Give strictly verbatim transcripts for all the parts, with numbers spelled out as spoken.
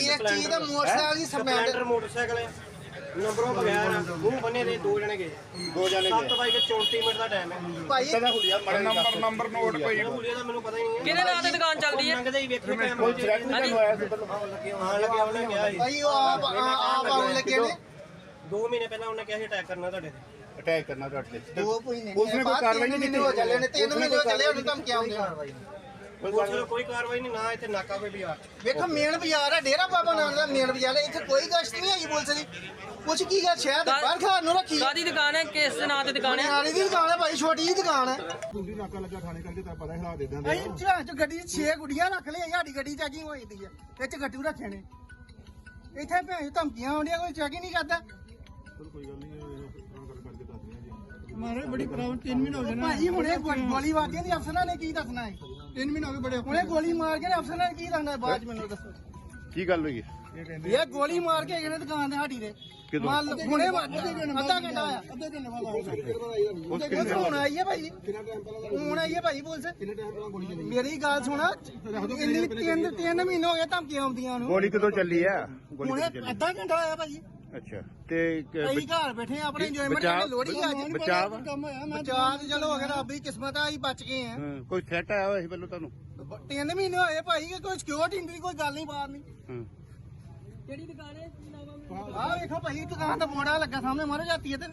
एक चीज है मोटरसाइकिल की स्प्लेंडर मोटरसाइकिल है नंबरों बगैर मुंह बने दे दो जने गए दो जने गए सत्त बाई के चौंतीस मिनट का टाइम है भाई नंबर नंबर नोट भाई हुलिया ਦਾ ਮੈਨੂੰ ਪਤਾ ਹੀ ਨਹੀਂ ਹੈ ਕਿਹਦੇ ਨਾਂ ਤੇ ਦੁਕਾਨ ਚੱਲਦੀ ਹੈ ਲੰਘਦੇ ਹੀ ਵੇਖੇ ਮੈਂ ਕੋਈ ਥ੍ਰੈਟ ਨਹੀਂ ਤੁਹਾਨੂੰ ਆਇਆ ਸੀ ਪਹਿਲਾਂ ਹਾਂ ਲੱਗਿਆ ਉਹਨੇ ਕਿਹਾ ਸੀ भाई वो आप आप आने लगे ने दो महीने पहले ਉਹਨੇ ਕਿਹਾ ਸੀ ਅਟੈਕ ਕਰਨਾ ਤੁਹਾਡੇ ਤੇ ਅਟੈਕ ਕਰਨਾ ਤੁਹਾਡੇ ਤੇ दो महीने उसने कोई कार्रवाई नहीं की हो चले ने तीन महीने हो चले उन्हें धमकियां आਉਂਦੀਆਂ ਪੁਲਿਸ ਵੱਲੋਂ ਕੋਈ ਕਾਰਵਾਈ ਨਹੀਂ ਨਾ ਇੱਥੇ ਨਾਕਾ ਕੋਈ ਵੀ ਆ ਵੇਖੋ ਮੇਨ ਬਾਜ਼ਾਰ ਹੈ ਡੇਰਾ ਬਾਬਾ ਨਾਨਕ ਦਾ ਮੇਨ ਬਾਜ਼ਾਰ ਹੈ ਇੱਥੇ ਕੋਈ ਗਸ਼ਤ ਨਹੀਂ ਹੈਗੀ ਪੁਲਿਸ ਦੀ ਕੁਛ ਕੀ ਗੱਲ ਸ਼ਾਇਦ ਬਾਹਰ ਖਾਣ ਨੂੰ ਰੱਖੀ ਕਾਦੀ ਦੁਕਾਨ ਹੈ ਕਿਸ ਦੇ ਨਾਂ ਤੇ ਦੁਕਾਨ ਹੈ ਨਾਰੀ ਦੀ ਦੁਕਾਨ ਹੈ ਭਾਈ ਛੋਟੀ ਜਿਹੀ ਦੁਕਾਨ ਹੈ ਦੂਜੀ ਨਾਕਾ ਲੱਗਾ ਥਾਣੇ ਕਰਕੇ ਤਾਂ ਪਤਾ ਹਿਲਾ ਦੇ ਦਿੰਦੇ ਅਸੀਂ ਚਾਹ ਚ ਗੱਡੀ ਚ ਛੇ ਗੁੱਡੀਆਂ ਰੱਖ ਲਈ ਸਾਡੀ ਗੱਡੀ ਚੈਕਿੰਗ ਹੋਈ ਦੀ ਹੈ ਇਹ ਚ ਗੱਟੂ ਰੱਖੇ ਨੇ ਇੱਥੇ ਭੈਣ ਧਮਕੀਆਂ ਆਉਂਦੀਆਂ ਕੋਈ ਚੈਕਿੰਗ ਨਹੀਂ ਕਰਦਾ ਕੋਈ ਗੱਲ ਨਹੀਂ ਗੱਲ ਕਰਕੇ ਦੱਸਦੇ ਆ ਜੀ ਮਾਰੇ ਬੜੀ ਪ੍ਰੋਬਲਮ ਤਿੰਨ ਮਹੀਨੇ ਹੋ ਗਏ ਭਾਜੀ ਹੁਣੇ ਗੋਲੀ ਵਾਰਦੀ ਦੀ ਅਫਸਰਾਂ ਨੇ ਕੀ ਦੱਸਣਾ ਹੈ ਤਿੰਨ ਮਹੀਨੇ ਹੋ ਗਏ ਬੜੇ ਹੁਣੇ ਗੋਲੀ ਮਾਰ ਕੇ ਅਫਸਰਾਂ ਨੇ ਕੀ ਦੱਸਣਾ ਹੈ ਬਾਅਦ ਚ ਮੈਨੂੰ ਦੱਸੋ ਕੀ ਗੱਲ ਹੋਈ ਇਹ ਗੋਲੀ ਮਾਰ ਕੇ ਇਹਨੇ ਦੁਕਾਨ ਤੇ ਸਾਡੀ ਦੇ ਮਾਲ ਹੁਣੇ ਅੱਧਾ ਘੰਟਾ ਆਇਆ ਅੱਧੇ ਘੰਟੇ ਬਾਅਦ ਆਇਆ ਹੁਣ ਆਈ ਹੈ ਭਾਈ ਹੁਣ ਆਈ ਹੈ ਭਾਈ ਪੁਲਿਸ ਮੇਰੀ ਗੱਲ ਸੁਣਾ ਇੰਨੀ ਤਿੰਨ ਤਿੰਨ ਮਹੀਨੇ ਹੋ ਗਏ ਧਮਕੀਆਂ ਆਉਂਦੀਆਂ ਨੂੰ ਗੋਲੀ ਕਦੋਂ ਚੱਲੀ ਆ ਹੁਣੇ ਅੱਧਾ ਘੰਟਾ ਆਇਆ ਭਾਈ ਅੱਛਾ ਤੇ ਕਈ ਘਰ ਬੈਠੇ ਆ ਆਪਣੇ ਇੰਜੋਇਮੈਂਟ ਕਰਨ ਲੋੜੀ ਅੱਜ ਬਚਾਵ ਬਚਾਅ ਤੇ ਚਲੋ ਅਗਰ ਰੱਬ ਦੀ ਕਿਸਮਤ ਆ ਅਸੀਂ ਬਚ ਗਏ ਆ ਕੋਈ ਥ੍ਰੈਟ ਆਇਆ ਹੋਇਆ ਸੀ ਪਹਿਲਾਂ ਤੁਹਾਨੂੰ ਤਿੰਨ ਮਹੀਨੇ ਹੋਏ ਭਾਈ ਕਿ ਕੋਈ ਸਿਕਿਉਰਿਟੀ ਨਹੀਂ ਕੋਈ ਗੱਲ ਨਹੀਂ ਬਾਹਰ ਨਹੀਂ ਹਾਂ ਕਿਹੜੀ ਦੁਕਾਨ ਹੈ ਆਹ ਵੇਖੋ ਭਾਈ ਦੁਕਾਨ ਦਾ ਬੋੜਾ ਲੱਗਾ ਸਾਹਮਣੇ ਮਾਰੋ ਜਾਤੀ ਹੈ ਤੇ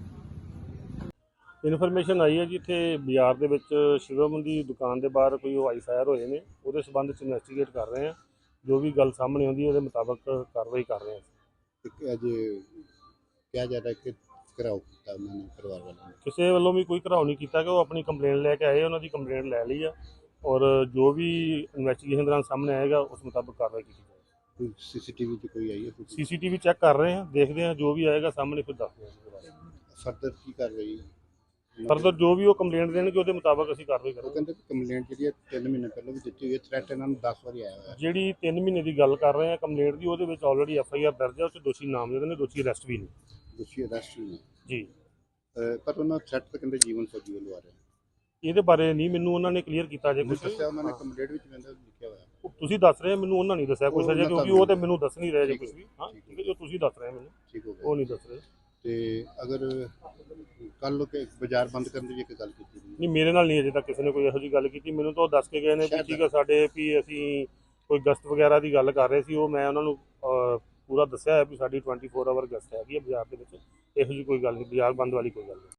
ਇਨਫੋਰਮੇਸ਼ਨ ਆਈ ਹੈ ਜੀ ਇੱਥੇ ਬਾਜ਼ਾਰ ਦੇ ਵਿੱਚ ਸ਼ਿਵਮ ਦੀ ਦੁਕਾਨ ਦੇ ਬਾਹਰ ਕੋਈ ਹਵਾਈ ਫਾਇਰ ਹੋਏ ਨੇ ਉਹਦੇ ਸੰਬੰਧ ਵਿੱਚ ਇਨਵੈਸਟੀਗੇਟ ਕਰ ਰਹੇ ਹਾਂ ਜੋ ਵੀ ਗੱਲ ਸਾਹਮਣੇ ਆਉਂਦੀ ਹੈ ਉਹਦੇ ਮੁਤਾਬਕ ਕਾਰਵਾਈ ਕਰ ਰਹੇ ਹਾਂ ਅੱਜ ਕਿਹਾ ਜਾ ਰਿਹਾ ਕਿ ਕਰਾਓ ਤਾਂ ਉਹਨਾਂ ਨੇ ਪਰਿਵਾਰ ਵਾਲਿਆਂ ਨੇ ਕਿਸੇ ਵੱਲੋਂ ਵੀ ਕੋਈ ਘਰਾਓ ਨਹੀਂ ਕੀਤਾ ਕਿ ਉਹ ਆਪਣੀ ਕੰਪਲੇਂਟ ਲੈ ਕੇ ਆਏ ਉਹਨਾਂ ਦੀ ਕੰਪਲੇਂਟ ਲੈ ਲਈ ਆ ਔਰ ਜੋ ਵੀ ਇਨਵੈਸਟੀਗੇਸ਼ਨ ਦੌਰਾਨ ਸਾਹਮਣੇ ਆਏਗਾ ਉਸ ਮੁਤਾਬਕ ਕਾਰਵਾਈ ਕੀਤੀ ਜਾਏਗੀ ਕੋਈ ਸੀਸੀਟੀਵੀ 'ਚ ਕੋਈ ਆਈ ਹੈ ਸੀਸੀਟੀਵੀ ਚੈੱਕ ਕਰ ਰਹੇ ਹਾਂ ਦੇਖਦੇ ਹਾਂ ਜੋ ਵੀ ਆਏਗਾ ਸਾਹਮਣੇ ਫਿਰ ਦੱਸਦੇ ਹਾਂ ਉਸ ਬਾਰੇ ਫਰਦਰ ਕੀ ਕਾਰਵਾਈ ਫਰਦਰ ਜੋ ਵੀ ਉਹ ਕੰਪਲੇਂਟ ਦੇਣਗੇ ਉਹਦੇ ਮੁਤਾਬਕ ਅਸੀਂ ਕਾਰਵਾਈ ਉਹ ਕਰਾਂਗੇ ਕਹਿੰਦੇ ਕੰਪਲੇਂਟ ਜਿਹੜੀ ਹੈ ਤਿੰਨ ਮਹੀਨੇ ਪਹਿਲਾਂ ਵੀ ਦਿੱਤੀ ਹੋਈ ਹੈ ਥ੍ਰੈਟ ਇਹਨਾਂ ਨੂੰ ਦਸ ਵਾਰੀ ਆਇਆ ਹੋਇਆ ਜਿਹੜੀ ਤਿੰਨ ਮਹੀਨੇ ਦੀ ਗੱਲ ਕਰ ਰਹੇ ਹਾਂ ਕੰਪਲੇਂਟ ਦੀ ਉਹਦੇ ਵਿੱਚ ਆਲਰੇਡੀ ਐਫ ਆਈ ਆਰ ਦਰਜ ਹੈ ਉਸ 'ਚ ਦੋਸ਼ੀ ਨਾਮਜ਼ਦ ਨੇ ਦੋਸ਼ੀ ਅਰੈਸਟ ਵੀ ਨੇ ਦੋਸ਼ੀ ਅਰੈਸਟ ਹੋਏ ਜੀ ਅਹ ਪਰ ਉਹਨਾਂ ਥ੍ਰੈਟ ਤਾਂ ਕਹਿੰਦੇ ਜੀਵਨ ਫੌਜੀ ਵੱਲੋਂ ਆ ਰਿਹਾ ਇਹਦੇ ਬਾਰੇ ਨਹੀਂ ਮੈਨੂੰ ਉਹਨਾਂ ਨੇ ਕਲੀਅਰ ਕੀਤਾ ਜੇ ਕੁਝ ਦੱਸਿਆ ਉਹਨਾਂ ਨੇ ਕੰਪਲੇਂਟ ਵਿੱਚ ਕਹਿੰਦਾ ਲਿਖਿਆ ਹੋਇਆ ਤੁਸੀਂ ਦੱਸ ਰਹੇ ਮੈਨੂੰ ਉਹਨਾਂ ਨਹੀਂ ਦੱਸਿਆ ਕੁਝ ਅਜੇ ਕਿਉਂਕਿ ਉਹ ਤੇ ਮੈਨੂੰ ਦੱਸ ਨਹੀਂ ਰਹੇ ਜੇ ਕੁਝ ਵੀ ਹਾਂ ਠੀਕ ਹੈ ਜੋ ਤੁਸੀਂ ਦੱਸ ਰਹੇ ਮੈਨੂੰ ਠੀਕ ਹੋ ਉਹ ਗਿਆ ਨਹੀਂ ਦੱਸ ਰਹੇ ਤੇ ਅਗਰ ਕੱਲ ਲੋਕ ਬਾਜ਼ਾਰ ਬੰਦ ਕਰਨ ਦੀ ਵੀ ਇੱਕ ਗੱਲ ਕੀਤੀ ਸੀ ਨਹੀਂ ਮੇਰੇ ਨਾਲ ਨਹੀਂ ਅਜੇ ਤੱਕ ਕਿਸੇ ਨੇ ਕੋਈ ਇਹੋ ਜਿਹੀ ਗੱਲ ਕੀਤੀ ਮੈਨੂੰ ਤਾਂ ਉਹ ਦੱਸ ਕੇ ਗਏ ਨੇ ਵੀ ਠੀਕ ਹੈ ਸਾਡੇ ਵੀ ਅਸੀਂ ਕੋਈ ਗਸ਼ਤ ਵਗੈਰਾ ਦੀ ਗੱਲ ਕਰ ਰਹੇ ਸੀ ਉਹ ਮੈਂ ਉਹਨਾਂ ਨੂੰ ਪੂਰਾ ਦੱਸਿਆ ਹੈ ਵੀ ਸਾਡੀ ਟਵੈਂਟੀ ਫੋਰ ਆਵਰ ਗਸ਼ਤ ਹੈਗੀ ਹੈ ਬਾਜ਼ਾਰ ਦੇ ਵਿੱਚ ਇਹੋ ਜਿਹੀ ਕੋਈ ਗੱਲ ਨਹੀਂ ਬਾਜ਼ਾਰ ਬੰਦ ਵਾਲੀ ਕੋਈ ਗੱਲ ਨਹੀਂ